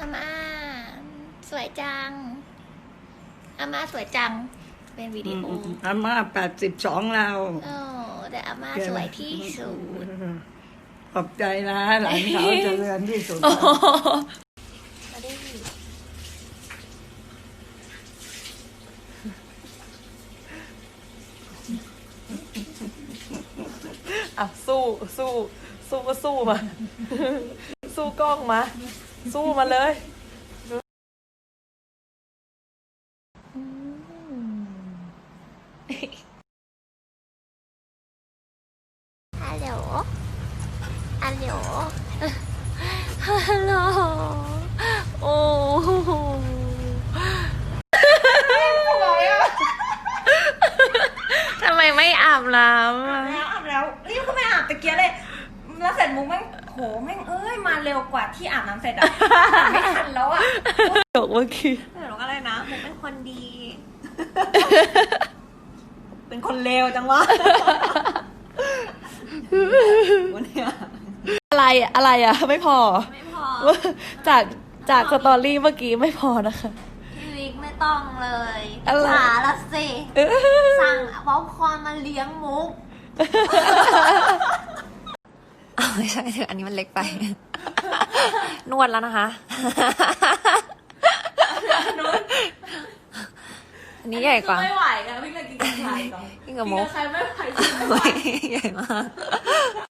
อาม่าสวยจังอาม่าสวยจังเป็นวิดีโออาม่า82แล้วโอ้แต่อาม่าสวยที่สุดขอบใจนะหลานสาวเจริญที่สุดมาดิอ่ะสู้ก็สู้มา สู้กล้องมา สู้มาเลยฮัลโหลฮัลโหลฮัลโหลโอ้โหทำไมไม่อาบน้ำอ่ะอาบแล้วรีบก็ไม่อาบตะเกียเลยแล้วเสร็จมุกแม่งโหแม่งมาเร็วกว่าที่อาบน้ำเสร็จอะไม่ทันแล้วอะจบเมื่อกี้แต่หนูก็อะไรนะมุกเป็นคนดี เป็นคนเลวจังวะวันนี้อะไรอ่ะ ไม่พอไม่พอจากสตอรี่เมื่อกี้ไม่พอนะคะพี่วิกไม่ต้องเลยอะไรหาละสิสั่งป๊อปคอร์นมาเลี้ยงมุกไม่ใช่อันนี้มันเล็กไป นวดแล้วนะคะ อันนี้ใหญ่กว่าไม่ไหวอะพี่เลยกินกับใครก่อนกินกับมุกใครไม่ไหวใหญ่มาก